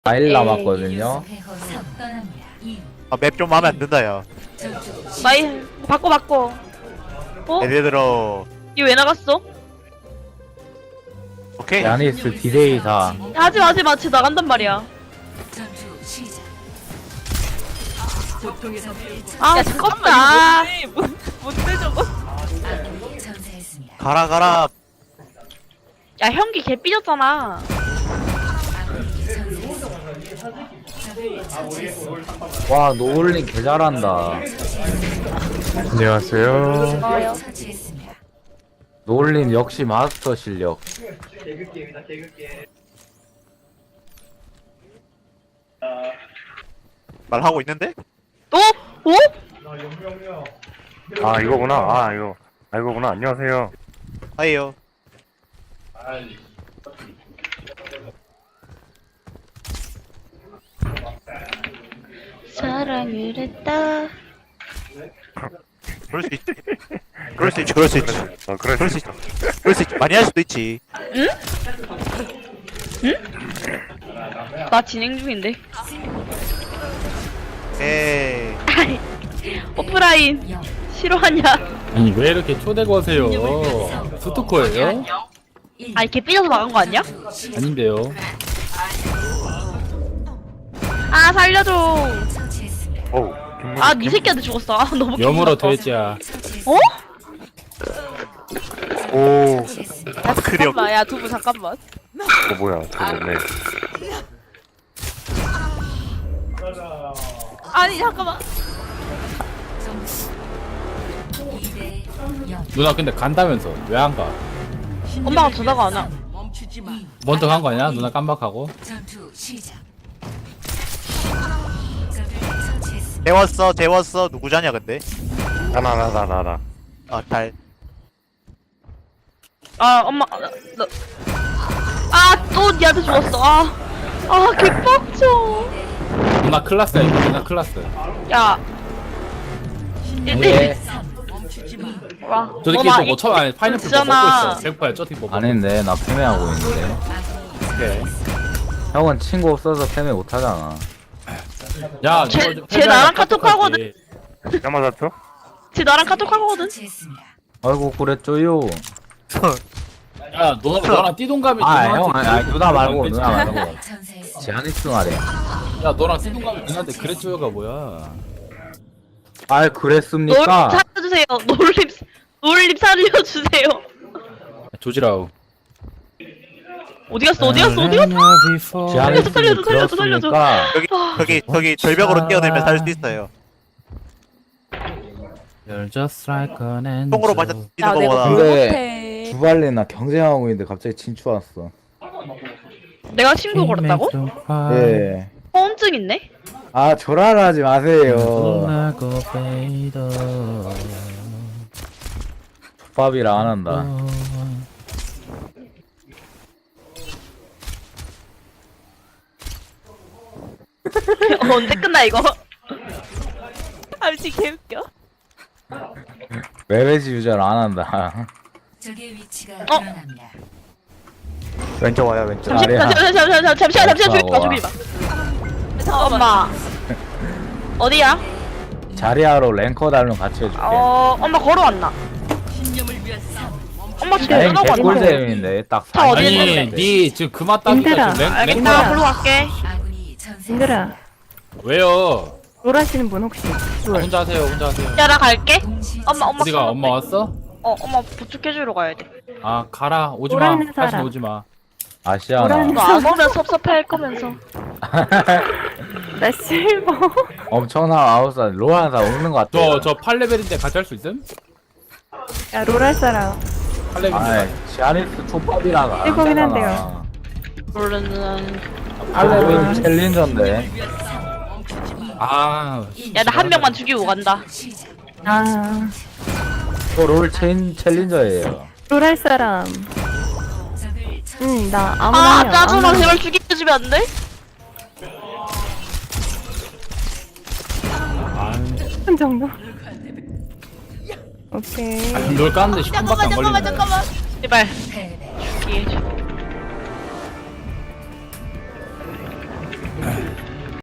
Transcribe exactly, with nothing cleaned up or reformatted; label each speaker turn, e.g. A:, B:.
A: 사 일 남았거든요.
B: 아, 맵 좀 마음에 안 든다, 야.
C: 마이 바꿔 바꿔. 어?
B: 예를 들어,
C: 이거 왜 나갔어?
B: 오케이.
A: 야니스 디데이사.
C: 하지 마 하지 마. 쟤 나간단 말이야. 아 잠깐만. 뭔데 저거?
B: 가라, 가라.
C: 야 형기 개 삐졌잖아.
A: 와 노을린 개 잘한다.
D: 안녕하세요.
C: 좋아요.
A: 노을린 역시 마스터 실력.
B: 말하고 있는데?
C: 또? 어?
D: 아 이거구나. 아 이거. 아 이거구나. 안녕하세요.
B: 아이요.
C: 사랑을 했다.
B: 그럴 수 있지. 그럴 수 있지, 그럴 수 있지.
D: 어 그래.
B: 그럴 수 있지. 그럴 수 있지. 많이 할 수도 있지.
C: 나 진행 중인데.
B: 에이.
C: 오프라인 싫어하냐?
E: 아니 왜 이렇게 초대고 하세요? 스토커예요?
C: 아니 개 삐져서 나간 거 아니야?
E: 아닌데요.
C: 아 살려줘.
D: 어우.
C: 아 니 새끼한테 죽었어. 아 너무
E: 여물어
C: 기분 나빠.
E: 돼지야.
C: 어?
D: 오.
C: 야
B: 그려.
C: 잠깐만. 야 두부 잠깐만.
D: 어 뭐야? 저거 네.
C: 아니 잠깐만.
E: 누나 근데 간다면서 왜 안 가?
C: 엄마가 전화가 안 와.
E: 먼저 간 거 아니야? 누나 깜박하고.
B: 재웠어, 재웠어. 누구자냐, 근데?
D: 나나 나 나 나 나.
B: 아, 달.
C: 아 엄마 너. 아또 니한테 죽었어. 아. 아 개빡쳐.
E: 누나 클라스야 이거. 누나 클라스.
C: 야.
A: 예.
C: 와.
E: 저 새끼
C: 엄마,
E: 또뭐 처음 아니 파인애플 뭐 먹고
C: 있잖아.
E: 있어. 백퍼야 저 새끼 뭐 먹고.
A: 아닌데 나 패매하고 있는데.
E: 오케이.
A: 형은 친구 없어서 패매 못하잖아.
E: 야,
C: 쟤-
E: 너-
C: 쟤 나랑 카톡 하거든.
D: 야마자토?
C: 쟤 나랑 카톡 하거든.
A: 아이고 그랬죠요.
E: 야, 너 너랑 띠동갑이
A: 아
E: 누나한테
A: 형 아니, 아니 누나 말고
E: 그랬지?
A: 누나 말고. 야니스 말해.
E: 야, 너랑 띠동갑이 누나한테 그랬죠가 뭐야?
A: 아
C: 놀림
A: 그랬습니까?
C: 살려주세요. 놀림 놀림 살려주세요.
E: 조지라우.
C: 어디 갔어? 어디 갔어? 어디 갔어?
A: 야니스
C: 살려줘, 살려줘, 살려줘.
A: 그렇습니까?
B: 여기, 저기, 저기, 절벽으로 뛰어들면 살 수 있어요.
E: You're just like an angel.
B: 똥으로 맞아 뛰는 거보다.
A: 근데 주발레나 경쟁하고 있는데 갑자기 친추 왔어.
C: 내가 친구 걸었다고?
A: 예.
C: 허언증 있네?
A: 아 조랄하지 마세요. 족밥이라 안 한다.
C: 언제 끝나 이거? 아 미친 개웃겨.
A: 메베지 유저를 안 한다.
F: 적의 위치가
C: 어?
F: 드러납니다.
A: 왼쪽 와요 왼쪽.
C: 잠시만
A: 아래야.
C: 잠시만 잠시만 잠시만 잠시만 죽이지 마
A: 와.
C: 죽이지 마. 엄마 어디야?
A: 자리하러 랭커 달면 같이 해줄게.
C: 어 엄마 걸어왔나? 엄마 지금
A: 랭
C: 연락 왔나?
A: 개꿀잼인데 딱.
C: 자, 어디
A: 사십
E: 아니,
C: 있는데?
E: 니 지금 그만 따기가
G: 힘들어.
E: 지금 랭
C: 알겠다
E: 랭커야.
C: 걸어 갈게.
F: 아군이 전세.
G: 얘들아,
E: 왜요?
G: 롤 하시는 분 혹시? 롤.
E: 혼자 하세요, 혼자 하세요.
C: 야 나 갈게. 엄마 엄마
E: 어디가? 엄마 왔어?
C: 어 엄마 부축해주러 가야 돼.
E: 아, 가라. 오지 마.
G: 오라는
E: 다시
G: 사람.
E: 오지 마.
A: 아시아나.
G: 오라는
C: 너 안 오면 섭섭해할 거면서.
G: 나 실버.
A: 엄청난 아웃사이드 로한사 오는 것 같아.
E: 저, 저 팔 레벨인데 같이 할 수 있음?
G: 야, 롤 할 사람.
E: 팔 레벨인데.
A: 아이 지아니스 족밥이라가. 안
G: 일곱이긴
A: 되잖아.
G: 한데요.
C: 모르는.
A: 팔 레벨 챌린저인데.
E: 아,
C: 야 나 한 명만 죽이고 간다.
G: 아,
A: 또롤 체인 챌린저예요.
G: 롤 할 사람.
F: 적을
G: 응, 나 아무나
C: 아
G: 하면
C: 짜증나
G: 아무나
C: 제발 죽여주면 안 돼?
E: 아,
G: 한 정도. 오케이.
E: 널 까는데 십 분밖에 안 걸리네.
C: 제발.
F: 패배.
C: 죽이.